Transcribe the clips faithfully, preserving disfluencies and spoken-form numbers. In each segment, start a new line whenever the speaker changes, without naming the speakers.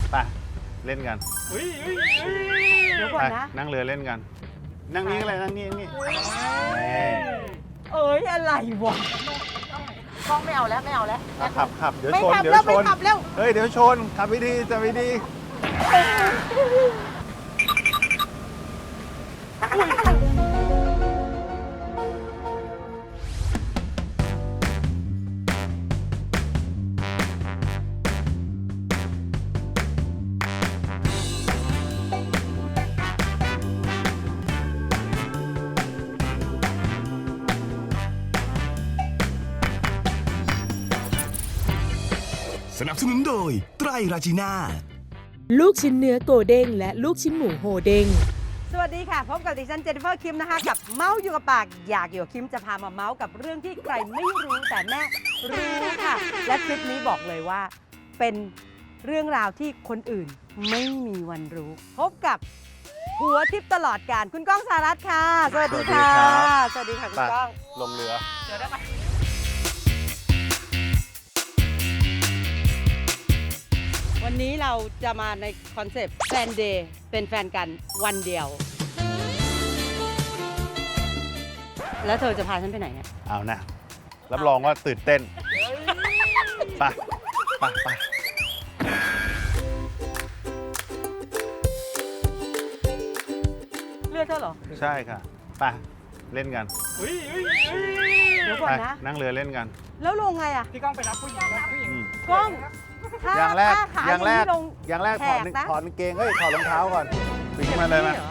ไปเล่นกัน
เดี๋ยวก่อนนะ
นั่งเรือเล่นกันนั่งนี้อะไรนั่งนี้นั่งนี้
เอ้ยอะไรวะกล้องไม่เอาแล้วไม่เอาแล้ว
ขับขับเดี๋ยว
ไม่
ชน
ขับ
เดี๋ย
แล้ว ว
ช
ไม่
น
ขับแล้ว
เฮ้ยเดี๋ยวชนขับไปดีจะไปดี
สนับสนุนโดยไตรราจีน่า
ลูกชิ้นเนื้อโกเด้งและลูกชิ้นหมูโฮเด้ง
สวัสดีค่ะพบกับดิฉันเจนนิเฟอร์คิมนะคะกับเมาส์อยู่กับปากอยากอยู่กับคิมจะพามาเมาส์กับเรื่องที่ใครไม่รู้แต่แม่รู้ค่ะและคลิปนี้บอกเลยว่าเป็นเรื่องราวที่คนอื่นไม่มีวันรู้พบกับหัวทิพย์ตลอดการคุณก้องสหรัฐค่ะสวัสดีค่ะสวัสดีค่ะคุณก้อง
ลงเรือ
เดี๋ยวได้ไหมวันนี้เราจะมาในคอนเซปต์แฟนเดย์เป็นแฟนกันวันเดียวแล้วเธอจะพาฉันไปไหนเนี่ย
เอานะรับรองว่าตื่นเต้นไปไปไป
เลือดเธอเหรอ
ใช่ค่ะไปเล่นกัน
เดี๋ยวก่อนนะ
นั่งเรือเล่นกัน
แล้วลงไงอ่ะ
พี่ก้องไปรับผู้หญิงนะผู้หญิง
กล้อง
อย่างแรกอย่างแรก
ลง
อย่างแรกถอดถอดกางเกงเฮ้ยถอดรองเท้าก่อนปีนมาเลยนะ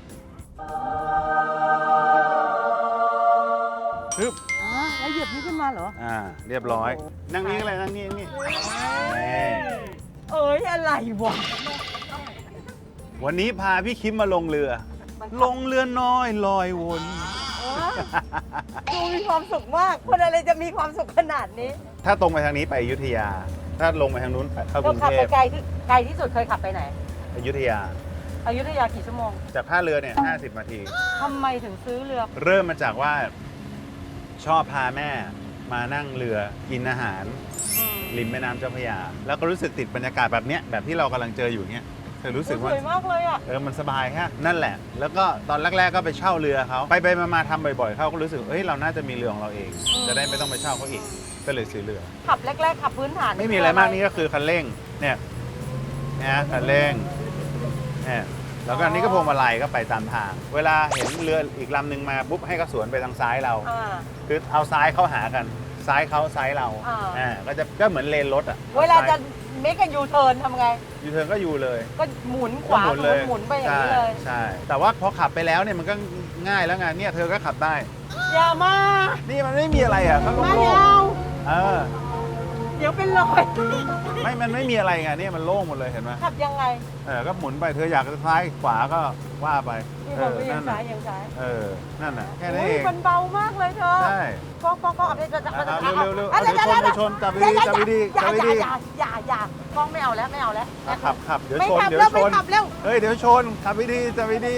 ฮึบ
แล้วเหยียบนี้ขึ้นมาเหรอ
อ่าเรียบร้อยนั่งนี้อะไรนั่งนี้นี่
เอ้ยอะไรวะ
วันนี้พาพี่คิมมาลงเรือลงเรือน้อยลอยวน
ดูมีความสุขมากคนอะไรจะมีความสุขขนาดนี้
ถ้าตรงไปทางนี้ไปอยุธยาถ้าลงไปทางนู้นเข้ากรุงเทพ
ขับไปไกลที่ไกลที่สุดเคยขับไปไหน
อยุธยา
อยุธยากี่ชั่วโมง
จากท่าเรือเนี่ยห้าสิบนาที
ทำไมถึงซื้อเรือ
เริ่มมาจากว่าชอบพาแม่มานั่งเรือกินอาหารริมแม่น้ำเจ้าพระยาแล้วก็รู้สึกติดบรรยากาศแบบเนี้ยแบบที่เรากำลังเจออยู่เนี้ยเธอรู้สึกว่า
สวยมากเลยอ่ะ
เออมันสบายฮะนั่นแหละแล้วก็ตอนแรกๆก็ไปเช่าเรือเขาไปไปมาๆทำบ่อยๆเขาก็รู้สึกเฮ้ยเราน่าจะมีเรือของเราเองจะได้ไม่ต้องไปเช่าเขาอีกก็เลยซื้อเรือ
ขับแรกๆขับพื้นฐาน
ไม่มีอะไรมากนี่ก็คือคันเร่งเนี่ยนะคันเร่งเนี่ยแล้วก็อันนี้ก็พวงมาลัยก็ไปตามทางเวลาเห็นเรืออีกลำหนึ่งมาปุ๊บให้เขาสวนไปทางซ้ายเราคือเอาซ้ายเข้าหากันซ้ายเขาซ้ายเราอ่าก็จะก็เหมือนเลนรถอ่ะ
เวลาจะเมกะยูเทิร์นทำไง
ยูเทิร์นก็ยูเลย
ก็หมุนขวาหมุนเลยหมุนไปอย่างนี้เลย
ใช่แต่ว่าพอขับไปแล้วเนี่ยมันก็ง่ายแล้วไงเนี่ยเธอก็ขับได้
อย่ามา
นี่มันไม่มีอะไรอ่ะเขาโล่งเออ
เดี๋ยวเป็นรอย
ไม่มันไม่มีอะไรไงเนี่ยมันโล่งหมดเลยเห็นไหม
ขับยังไง
เออก็หมุนไปเธออยากจะซ้ายขวาก็ว่าไป
เออนั่นน่ะยังซ้าย
เออนั่นน่ะแค่นี้เอง
มันเบามากเลยเธอ
ใช่
ก็ก็ก็เอาไปจะจะ
เร็วเร็วเร็วเดี๋ยวชนเดี๋ยวชนจับดีจับดีจับดี
อย่าอย่าอย่ากล้องไม่เอาแล้วไม่เอาแล้ว
ขับขับเดี๋ยวชน
เดี๋
ยวชนเฮ้ยเดี๋ยวชนขับดีจับดี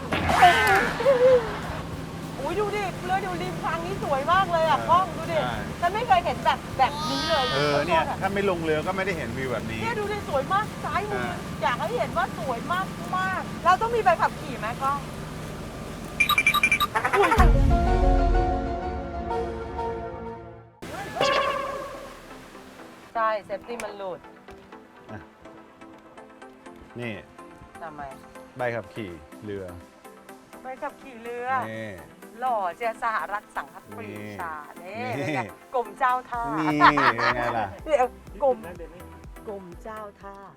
อุ้ยดูดิเรือดูริมทางนี้สวยมากเลยอ่ะกล้องดูดิฉันไม่เคยเห็นแบบแบบนี้เลย
เออเนี่ยถ้าไม่ลงเรือก็ไม่ได้เห็นวิวแบบนี้
เนี่ยดูดิสวยมากซ้ายมืออยากให้เห็นว่าสวยมากมากเราต้องมีใบขับขี่ไหมกล้องใช่เซฟตี้มันหลุด
นี่
ทำไม
ใบขับขี่เรือ
ใบขับขี่เรือหล่อเจ้าสหรัฐสังคปรีชาเนี่ยกรมเจ้าท่า
นี่ไงล่ะ
เดี๋ยวกรมกรมเจ้าท่า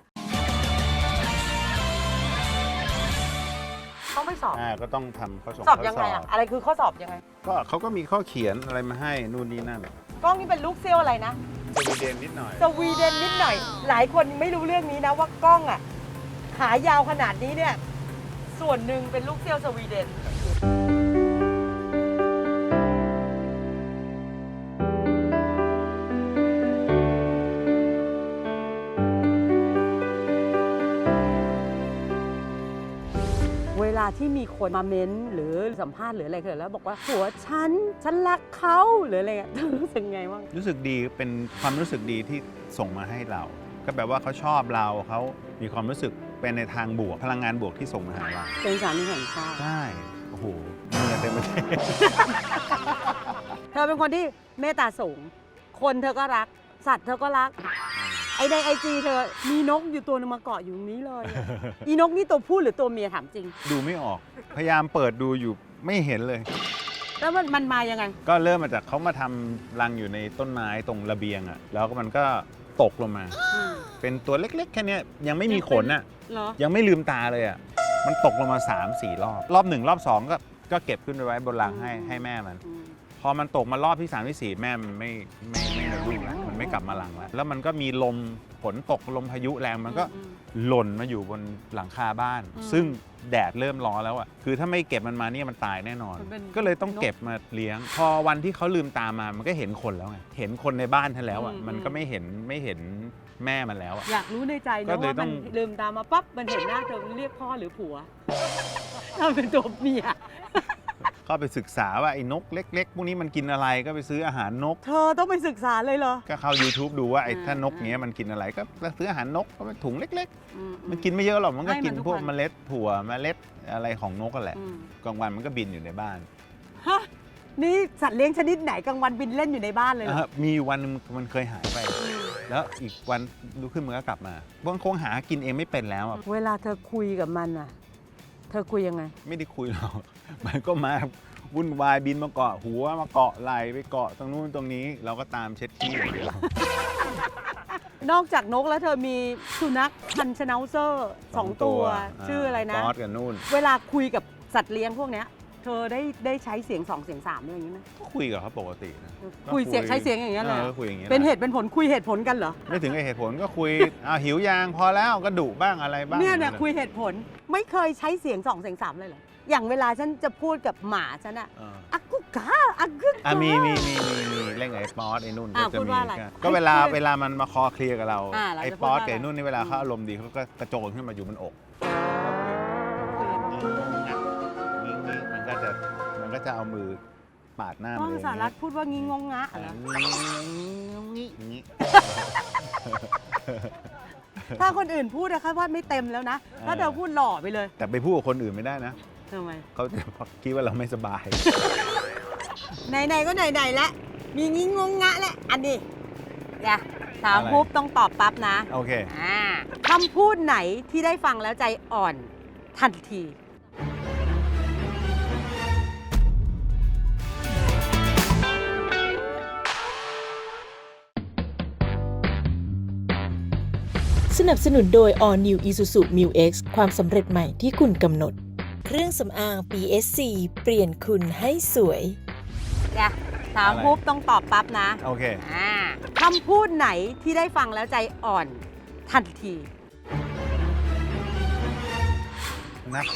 ต้องไม่สอบ
อ่าก็ต้องทำข้อสอบ
สอบยังไงอะอะไรคือข้อสอบยังไง
ก็เขาก็มีข้อเขียนอะไรมาให้นู่นนี่นั่น
กล้องนี่เป็นลูกเซี่ยวอะไรนะ
สวีเดนนิดหน่อย
สวีเดนนิดหน่อยหลายคนไม่รู้เรื่องนี้นะว่ากล้องอ่ะขายาวขนาดนี้เนี่ยส่วนหนึ่งเป็นลูกเซี่ยวสวีเดนเวลาที่มีคนมาเม้นหรือสัมภาษณ์หรืออะไรเกิดแล้วบอกว่าผัวฉันฉันรักเขาหรืออะไรเงี้ยรู้สึกไงบ้าง
รู้สึกดีเป็นความรู้สึกดีที่ส่งมาให้เราก็ก็แปลว่าเขาชอบเราเขามีความรู้สึกเป็นในทางบวกพลังงานบวกที่ส่งมาหาเรา
เป็นสามีแห่งชาติ
ใช่โอ้โหเงินเต็มประเทศ
เธอเป็นคนที่เมตตาสูง คนเธอก็รัก สัตว์เธอก็รัก ไอในไอจีเธอมีนกอยู่ตัวนึงมาเกาะอยู่ตรงนี้เลยอะ อีนกนี่ตัวผู้หรือตัวเมียถามจริง
ดูไม่ออก พยายามเปิดดูอยู่ไม่เห็นเลย
แล้วมันมันมายังไง
ก็เริ่มมาจากเขามาทำรังอยู่ในต้นไม้ตรงระเบียงอะแล้วก็มันก็ตกลงมา
อืม
เป็นตัวเล็กๆ แค่เนี้ยยังไม่มีขนอะ
เหรอ
ยังไม่ลืมตาเลยอะมันตกลงมา สามสี่ รอบ รอบหนึ่งรอบสองก็ก็เก็บขึ้นไปไว้บนรังให้ให้แม่มัน
อืม
พอมันตกมารอบที่สามที่สี่แม่มันไม่ไม่ไม่มารุ่งแล้วมันไม่กลับมารังแล้วแล้วมันก็มีลมฝนตกลมพายุแรงมันก็
อืม
หล่นมาอยู่บนหลังคาบ้าน
อืม
ซึ่งแดดเริ่มร้อนแล้วอ่ะคือถ้าไม่เก็บมันมาเนี่ยมันตายแน่นอน
มันเป็น
ก็เลยต้องเก็บมาเลี้ยง พอวันที่เขาลืมตามามันก็เห็นคนแล้วไงเห็นคนในบ้านท่านแล้วอ่ะ
อืม
มันก็ไม่เห็นไม่เห็นแม่มันแล้วอ่ะ
อยากรู้ในใจ
ก็
นะ
เลย
ว่า
ต้
มั
อน ง
ลืมตามาปั๊บมันเห็นหน้าเธอเรียกพ่อหรือผัว ถ้าเป็นตัวเมีย
ก็ไปศึกษาว่าไอ้นกเล็กๆพวกนี้มันกินอะไรก็ไปซื้ออาหารนก
เธอต้องไปศึกษาเลยเหรอ
ก็เข้า YouTube ดูว่าไอ้
อ่า
ถ้านกเนี้ยมันกินอะไรก็ซื้ออาหารนกก็เป็นถุงเล็ก
อื
ๆ มันกินไม่เยอะหรอกมันก็
ให้มัน
กิน
ทุก
พวก
วัน
เมล็ดถั่วเมล็ดอะไรของนกกันแหละ
อืม
กลางวันมันก็บินอยู่ในบ้าน
ฮะนี่สัตว์เลี้ยงชนิดไหนกลางวันบินเล่นอยู่ในบ้านเลยเหรอ
อ่ะมีวันหนึงมันเคยหายไป แล้วอีกวันลุกขึ้นมันก็กลับมามันคงหากินเองไม่เป็นแล้วอ่ะ
เวลาเธอคุยกับมันอ่ะ เธอคุยยังไง
ไม่ได้คุยหรอก มันก็มาวุ่นวายบินมาเกาะหัวมาเกาะไหล่ไปเกาะตรงนู้นตรงนี้ เราก็ตามเช็ดขี้อย่างเดียวน
อกจากนกแล้วเธอมีสุนัขพันธุ์ชนาวเซอร์สองตัว ชื่ออะไรนะ
ฟอสกับนู่น
เวลาคุยกับสัตว์เลี้ยงพวกเนี้ย เธอได้ได้ใช้เสียงสองเสียงสามอะไรอย่างนี้ไหม
ก็คุยกับเขาปกตินะก็
คุยเสียงใช้เสียงอย่างเงี้ยเลย
ออคุยอย่างเงี้ย
เป็นเหตุเป็นผลคุยเหตุผลกันเหรอ
ไม่ถึงกับเหตุผลก็คุย อ้าวหิวยางพอแล้วก็ดุบ้างอะไรบ้าง
เนี่ยเนี่ยคุยเหตุผลไม่เคยใช้เสียงสองเสียงสามเลยเหรอ อย่างเวลาฉันจะพูดกับหมาฉันอะ
เออ
อักกุกาอักกุกา
อ่ะมีมีมีมีมีเรื่องไอ้ป๊อตไอ้นุ่น
อ่ะ
ก็จะ
พูด
มี
ว่าอะไร
ก็ก็เวลา
ให้คุย
เวลามันมาคอเคลียร์กับเรา
อ่ะเราจะ
ไอ้
พูด
ป๊อต
ว่า
กับไอ้นุ่นนี่เวลา
อืม
เขาอารมณ์ดีเขาก็กระโจนขึ้นมาอยู่บนอกมันก็จะมันก็จะเอามือปาดหน้า
ต้
มั
อนง
เอง
สารัตพูดว่างี้งงงะเหรอ
งี้งี้
ถ้าคนอื่นพูดนะคะว่าไม่เต็มแล้วนะ ถ้าเธอพูดหล่อไปเลย
แต่ไปพูดกับคนอื่นไม่ได้นะ
ทำไม
เขาจะคิดว่าเราไม่สบาย
ไหนๆก็ไหนๆแล้วมีงี้งงงะแล้วอันนี้อย่าถาม
อะไร
ปุ๊บต้องตอบปั๊บนะ
โอเค
อ่าคำพูดไหนที่ได้ฟังแล้วใจอ่อนทันที
สนับสนุนโดย All New Isuzu Mu X ความสำเร็จใหม่ที่คุณกำหนด เครื่องสำอาง พี เอส ซี เปลี่ยนคุณให้สวย
อย่าถาม
อะไร
ปุ๊บต้องตอบปั๊บนะ
โอเค
อ่าคำพูดไหนที่ได้ฟังแล้วใจอ่อนทันที
นะคะ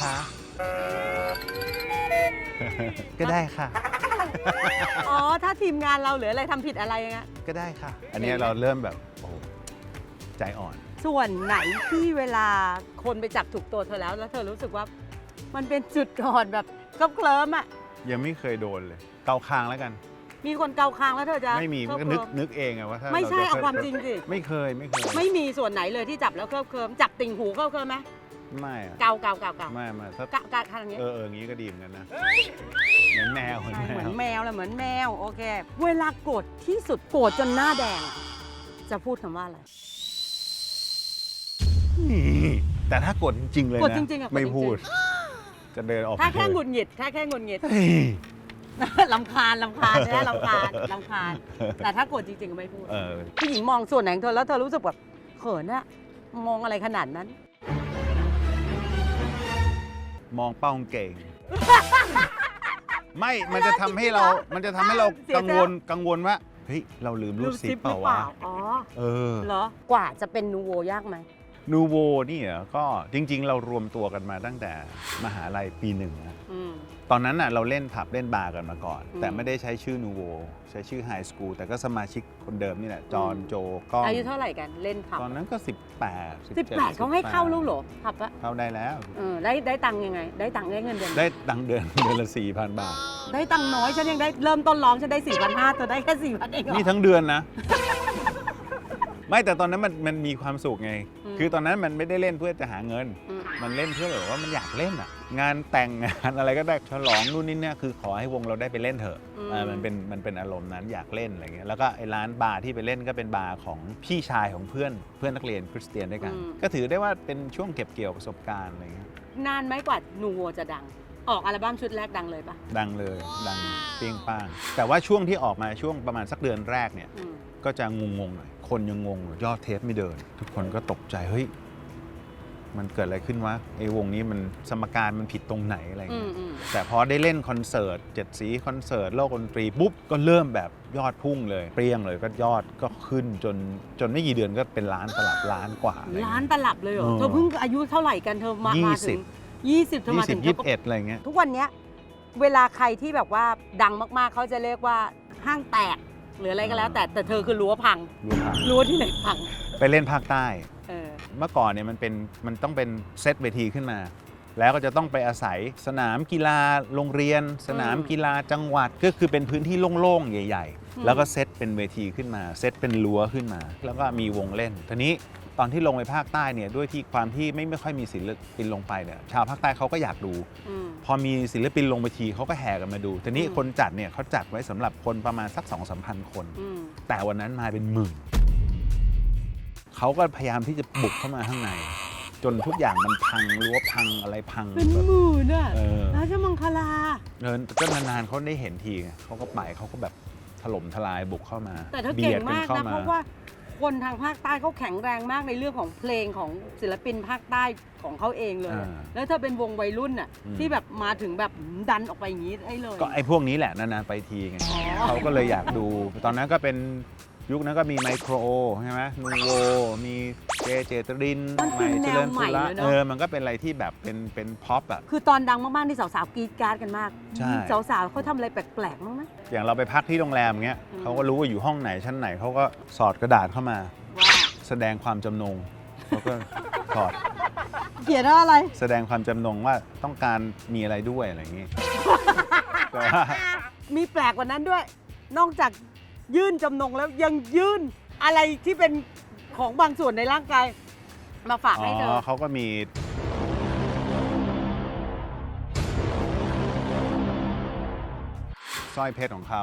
ก็ได้ค่ะ
อ๋อ ถ้าทีมงานเราหรืออะไรทำผิดอะไรอย่างเงี้ย
ก็ได้ค่ะ อันนี้เราเริ่มแบบโอ้โหใจอ่อน
ส่วนไหนที่เวลาคนไปจับถูกตัวเธอแล้ว แล้วเธอรู้สึกว่ามันเป็นจุดอ่อนแบบเคลิ้มๆอ่ะ
ยังไม่เคยโดนเลย เกาคางแล้วกัน
มีคนเกาคางแล้วเธอจะ
ไม่มี
เค
มันก็
ลิ้
นึก
ม
นึกเองอะว่าถ้า
ไม่ใช่
รจะ
เอาความจริงสิ
ไม่เคยไม่เคย
ไม่มีส่วนไหนเลยที่จับแล้วเคลิ้มเคลิ้มจับติ่งหูเคลิ้มเคลิ้มไหม
ไม่อะ
เกาเกาเกาเกา
ไม่ไม่ถ้า
เกาเกาทางนี้
เออเอออย่างนี้ก็ดีเหมือนกันนะ เหมือนแมวเหมือน
ใช่
แม
เหมือน
ว
แมวแหละเหมือนแมว โอเค เวลาโกรธที่สุดโกรธจนหน้าแดงอะจะพูดคำว่าอะไร
นี่แต่ถ้ากดจริงๆเลย
กด
นะ
จริงๆอะกด
ไม่
จริงๆ
พูด จะเดินออก
ถ้าแค่
ไป
หงุดหงิดถ้าแค่หงุดหงิด
เฮ้ย
ลำคาญลำคาญใช่ไหมลำคาญลำคาญ แต่ถ้าโกรธจริงๆก็ไม่พูด
เออ
ผู้หญิงมองส่วนไหนของเธอแล้วเธอรู้สึกแบบเขินอะมองอะไรขนาดนั้น
มองเป้ากางเก่ง ไม่ มันจะทำให้เรา มันจะทำให้เรา
เสียใจ
กังวล กังวลว่า เฮ้ย เราลืมรูดซิปเปล่าวะ
อ๋อ
เออ
เหรอ กว่าจะเป็นนูโวยากไหม
นูโวนี่เหรอก็จริง ๆ เรารวมตัวกันมาตั้งแต่มหาลัยปีหนึ่งนะ
อืม
ตอนนั้นน่ะเราเล่นผับเล่นบาร์กันมาก่อน
อืม
แต่ไม่ได้ใช้ชื่อนูโวใช้ชื่อไฮสคูลแต่ก็สมาชิกคนเดิมนี่แหละ จอห์นโจก้อง
อายุเท่าไหร่กันเล่นผับ
ตอนนั้นก็ สิบแปด
สิบแปดเขาให้เข้าลูกเหรอผับอะ
เข้าได้แล้ว
เออได้ได้ตังค์ยังไง ได้ตังค์ได้เงินเดือน
ได้ตังค์เดือน เดือนละสี่พันบาท
ได้ตังค์น้อยฉันยังได้เริ่มต้นร้องฉันได้สี่พันห้าเธอได้แค่สี่พันเองเหรอ
นี่ทั้งเดือนนะไม่แต่ตอนนั้นมันมันมีความสุขไง
อืม
คือตอนนั้นมันไม่ได้เล่นเพื่อจะหาเงิน
อืม
มันเล่นเพื่อแบบว่ามันอยากเล่นอ่ะ งานแต่งงานอะไรก็ได้ฉลองนู่นนี่เนี่ยคือขอให้วงเราได้ไปเล่นเถอะ
อืม
เออมันเป็นมันเป็นอารมณ์นั้นอยากเล่นอะไรเงี้ยแล้วก็ไอ้ร้านบาร์ที่ไปเล่นก็เป็นบาร์ของพี่ชายของเพื่อนเพื่อนนักเรียนคริสเตียนด้วยกัน ก็ถือได้ว่าเป็นช่วงเก็บเกี่ยวประสบการณ์อะไรเงี้ย
นานไหมกว่านูโวจะดัง ออกอัลบั้มชุดแรกดังเลยปะ
ดังเลยดังเปรี้ยงป้าง แต่ว่าช่วงที่ออกมาช่วงประมาณสักเดือนแรกเนี่ย
อืม
ก็จะงงๆหน่อยคนยังงงอยู่ยอดเทปไม่เดิน ทุกคนก็ตกใจเฮ้ยมันเกิดอะไรขึ้นวะไอ้วงนี้มันสมการมันผิดตรงไหนอะไร
อื
เงี้
ม
ย
อืม
แต่พอได้เล่นคอนเสิร์ตเจ็ดสีคอนเสิร์ตโลกดนตรีปุ๊บก็เริ่มแบบยอดพุ่งเลย เปรี้ยงเลยก็ยอดก็ขึ้นจนจนไม่กี่เดือนก็เป็นล้านตลับล้านกว่าอะไรเงี้ย
ล้านตลับเลยเหรอ
เออ
เธอเพิ่งอายุเท่าไหร่กันเธอมา
ยี่
มา
สิ
ถึ
บ
งยี่สิบเธอ
ยี่
มา
สิ
ถึ
บ
ง
ยี่สิบเอ็ดอะไรเงี้ย
ทุกวันเนี้ยเวลาใครที่แบบว่าดังมากๆ เขาจะเรียกว่าห้างแตกหรืออะไรก็แล้ว แต่แต่เธอคือรั้วพัง
รู้ครับ
รั้วที่ไหนพัง
ไปเล่นภาคใต้
เออ
เมื่อก่อนเนี่ยมันเป็นมันต้องเป็นเซตเวทีขึ้นมา แล้วก็จะต้องไปอาศัยสนามกีฬาโรงเรียน สนามกีฬาจังหวัดก็คือเป็นพื้นที่โล่งๆใหญ่
อืม
ๆ แล้วก็เซตเป็นเวทีขึ้นมาเซตเป็นรั้วขึ้นมา แล้วก็มีวงเล่นทีนี้ตอนที่ลงไปภาคใต้เนี่ยด้วยที่ความที่ไม่ไม่ค่อยมีศิลปินลงไปเนี่ยชาวภาคใต้เขาก็อยากดู
อืม
พอมีศิลปินลงไปทีเขาก็แห่กันมาดูทีนี้
อืม
คนจัดเนี่ยเขาจัดไว้สำหรับคนประมาณสัก สองสามพันคน
อืม
แต่วันนั้นมาเป็นหมื่น เขาก็พยายามที่จะบุกเข้ามาข้างใน จนทุกอย่างมันพังรั้วพังอะไรพัง
เป็น
แบบ
หมื่นอ่ะ
เออ
ราชมังคลา
เดินก็นานๆเขาได้เห็นทีไงเขาก็ไปเขาก็แบบถล่มทลายบุกเข้ามา
แต่เธอ
บี
เก่
ย
ง
ด
มาก
เข้
นะ เพราะว่าคนทางภาคใต้เขาแข็งแรงมากในเรื่องของเพลงของศิลปินภาคใต้ของเขาเองเลย
อ่า
แล้วเธอเป็นวงวัยรุ่นน่ะ
อืม
ที่แบบมาถึงแบบดันออกไปอย่างนี้ได้เลย
ก็ไอ้พวกนี้แหละนานๆไปทีไง
อ๋อ
เขาก็เลยอยากดู ตอนนั้นก็เป็นยุคนั้นก็มีไมโครใช่ไหมนูโวมีเจเจตริน
มันคือแนวใหม่
ละ
เลยเนอะ
เออมันก็เป็นอะไรที่แบบเป็นเป็นพ็อปอ่ะ
คือตอนดังมากๆที่สาวๆกรีดกราดกันมาก
ใช่
สาวๆเขาทำอะไรแปลกๆมั้างไหม
อย่างเราไปพักที่โรงแรมเงี้ย
อืม
เขาก็รู้ว่าอยู่ห้องไหนชั้นไหนเขาก็สอดกระดาษเข้ามา
ว่า
แสดงความจำนงเขาก็สอด
เขียนว่าอะไร
แสดงความจำนงว่าต้องการมีอะไรด้วยอะไรอย่างงี้ แต่ว่า
มีแปลกกว่านั้นด้วย นอกจากยื่นจำนงแล้วยังยื่นอะไรที่เป็นของบางส่วนในร่างกายมาฝาก
อ๋
ให้เธอ
อเขาก็มีสร้อยเพชรของเขา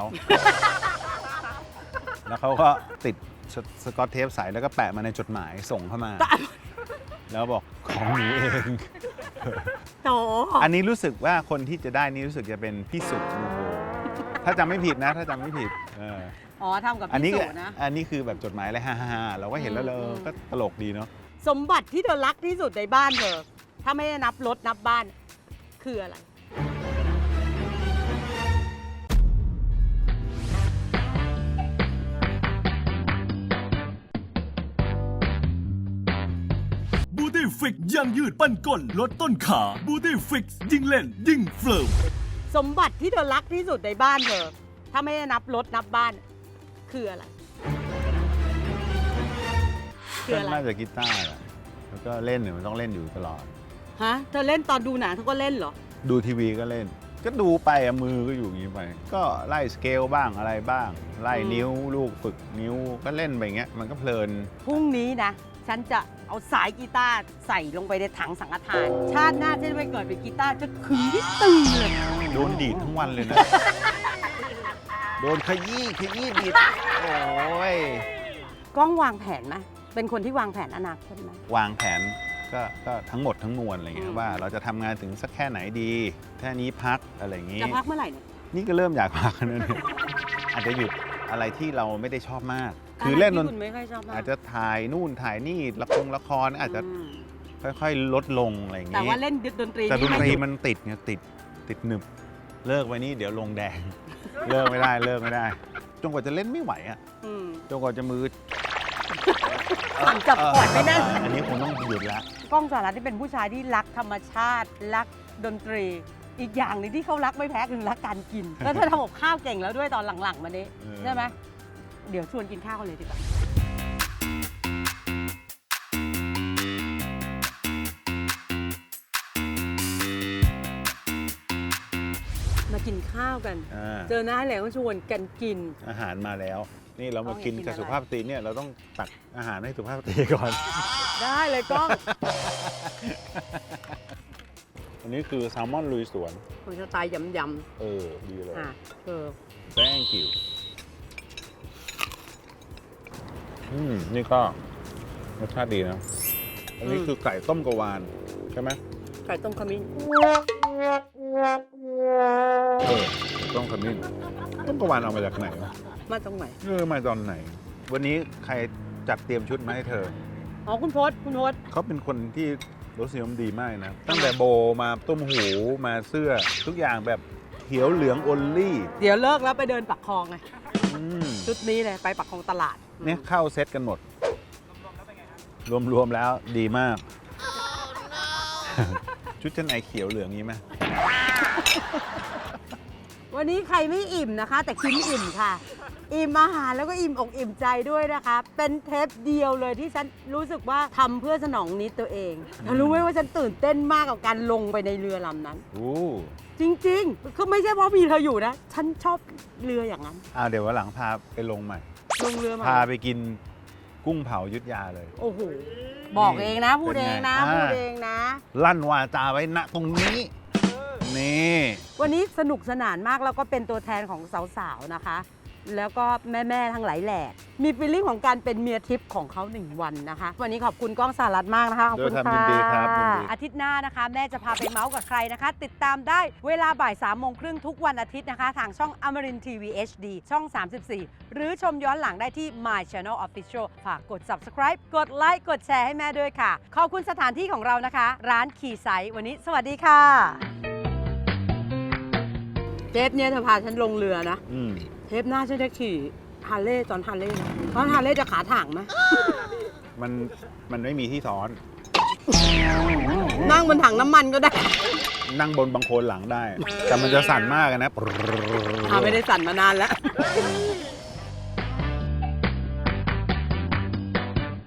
แล้วเขาก็ติดสสกอตเทปใสแล้วก็แปะมาในจดหมายส่งเข้ามา แล้วบอกของหนูเอง
โต
อันนี้รู้สึกว่าคนที่จะได้นี่รู้สึกจะเป็นพี่สุนูโวถ้าจำไม่ผิดนะ ถ้าจำไม่ผิดเออ
อ๋อทำกับ
อันนี้
พี่สุนะ
อันนี้คือแบบจดหมายอะไรฮ่าๆเราก็เห็นแล้วเรา
อืม
ก็ตลกดีเนาะ
สมบัติที่เธอรักที่สุดในบ้านเธอ ถ้าไม่ได้นับรถนับบ้าน คืออะไร
บูตี้ฟิกยังยืดปั้นก้นลดต้นขาบูตี้ฟิกยิ่งเล่น ยิ่งเฟิร์ม
สมบัติที่เธอรักที่สุดในบ้านเธอ ถ้าไม่ได้นับรถนับบ้าน คืออะไร คืออะไร
น่าจะกีตาร์แหละแล้วก็เล่นเนี่ยมันต้องเล่นอยู่ตลอด
ฮะ เธอเล่นตอนดูหนังเธอก็เล่นเหรอ
ดูทีวีก็เล่น ก็ดูไปอะมือก็อยู่อย่างนี้ไป ก็ไล่สเกลบ้างอะไรบ้าง ไล่
อืม
นิ้วลูกฝึกนิ้วก็เล่นไปอย่างเงี้ยมันก็เพลิน
พรุ่งนี้นะ ฉันจะเอาสายกีตาร์ใส่ลงไปในถังสังฆทาน ชาติหน้าฉันจะไปเกิดเป็นกีตาร์จะขึงที่ตึงเลย
โดนดีดทั้งวันเลยนะ โดนขยี้ขยี้ดีดโอ้ย
กล้องวางแผนไหมเป็นคนที่วางแผนอนาคตไหม
วางแผนก็ก็ทั้งหมดทั้งมวลอะไรเงี้
อื
ย
ม
ว่าเราจะทำงานถึงสักแค่ไหนดีแค่นี้พักอะไรอย่างงี้
จะพักเมื่อไหร่เนี่ย
นี่ก็เริ่มอยากพักแล้วเนี่ย อาจจะหยุดอะไรที่เราไม่ได้ชอบมาก คือเล่นด
ะไร
น
ที่คุณไม่ค่อยชอบมาก
อาจจะถ่ายนู่นถ่ายนี่ละครละครอาจจะ
อืม
ค่อยๆ ลดลงอะไรอย่าง
แต่
งี้
ว่าเล่นดนตรี
แต่ดนตรี
ไหยุ
มันติดไงติดติดหนึบเลิกไว้นี่เดี๋ยวลงแดง เลิกไม่ได้เลิกไม่ได้จนกว่าจะเล่นไม่ไหวอ่ะ
อืม
จนกว่าจะมือ
สั่งจับขวดไม่ได้
เอออันนี้คงต้องหยุดละ
กล้องสหรัฐที่เป็นผู้ชายที่รักธรรมชาติ รักดนตรี อีกอย่างหนึงที่เขารักไม่แพ้คือรักการกิน แล้วเธอทำกับข้าวเก่งแล้วด้วยตอนหลังๆมานี้
เออ
ใช่ไหมเดี๋ยวชวนกินข้าวกันเลยดีกว่ามากินข้าวกัน
อ่า
เจอหน้าแล้วก็ชวนกันกิน
อาหารมาแล้ว จนี่เรามากินกับสุภาพสตรีเนี่ยเราต้องตักอาหารให้สุภาพสตรีก่อน
ได้เลยกล้อง
อันนี้คือแซลมอนลุยสวน
คุณสไตล์ยำ
เออ ดีเลย
ๆอ่ะเออ
thank you อืม นี่ก็รสชาติดีนะ อันนี้คือไก่ต้มกะวาน ใช่ไหม
ไก่ต้มขมิ้น
เออต้มขมิ้นต้มกะวานเอามาจากไหนวะ
มาตรงไหน
เออมาตอนไหน วันนี้ใครจัดเตรียมชุดมาให้เธอ
อ๋อคุณพศคุณพศ
เขาเป็นคนที่รสนิยมดีมากนะ ตั้งแต่โบมาต้มหูมาเสื้อ ทุกอย่างแบบเขียวเหลืองโอลลี่
เดี๋ยวเลิกแล้วไปเดินปักคลองไง
อืม
ชุดนี้เลยไปปักคลองตลาด
เนี่ยเข้าเซตกันหมด รวมๆแล้วดีมาก ชุดชั้นในเขียวเหลืองนี้ไหม
วันนี้ใครไม่อิ่มนะคะ แต่คิมอิ่มค่ะ อิ่มอาหารแล้วก็อิ่มอกอิ่มใจด้วยนะคะ เป็นเทปเดียวเลยที่ฉันรู้สึกว่าทำเพื่อสนองนิดตัวเองเธอรู้ไหมว่าฉันตื่นเต้นมากกับการลงไปในเรือลำนั้น
โอ้
จริงๆคือไม่ใช่เพราะมีเธออยู่นะ ฉันชอบเรืออย่างนั้น
อ่าเดี๋ยววันหลังพาไปลงใหม่
ลงเรือมา
พาไปกินกุ้งเผายุทธยาเลย
โอ้โห บอกเองนะ พูดเองนะ
เป็นไง
พูดเองนะ
ลั่นวาจาไว้ณตรงนี้ นี่
วันนี้สนุกสนานมากแล้วก็เป็นตัวแทนของสาวๆนะคะ แล้วก็แม่ๆทั้งหลายแหล่มีฟีลลิ่งของการเป็นเมียทิพย์ของเขาหนึ่งวันนะคะ วันนี้ขอบคุณก้องสารัตมากนะคะขอบคุณ
ด้วยความยิ
ค่ะ
นดีครับยินดี
อาทิตย์หน้านะคะ แม่จะพาไปเมาส์กับใครนะคะ ติดตามได้เวลาบ่ายสามโมงครึ่งทุกวันอาทิตย์นะคะ ทางช่องอมรินทีวี เอช ดี ช่อง สามสิบสี่ หรือชมย้อนหลังได้ที่ My Channel Official ฝากกด Subscribe กดไลค์กดแชร์ให้แม่ด้วยค่ะ ขอบคุณสถานที่ของเรานะคะ ร้านคีไซต์วันนี้สวัสดีค่ะเทปเนี่ยเธอพาฉันลงเรือนะ
อืม
เทปหน้าฉันจะขี่ฮาร์เลย์ตอนฮาร์เลย์นะตอนฮาร์เลย์จะขาถ่างไหม
มันมันไม่มีที่ซ้อน
นั่งบนถังน้ำมันก็ได้
นั่งบนบังโคลนหลังได้ แต่มันจะสั่นมากอะนะ
อ่าไม่ได้สั่นมานานแล้ว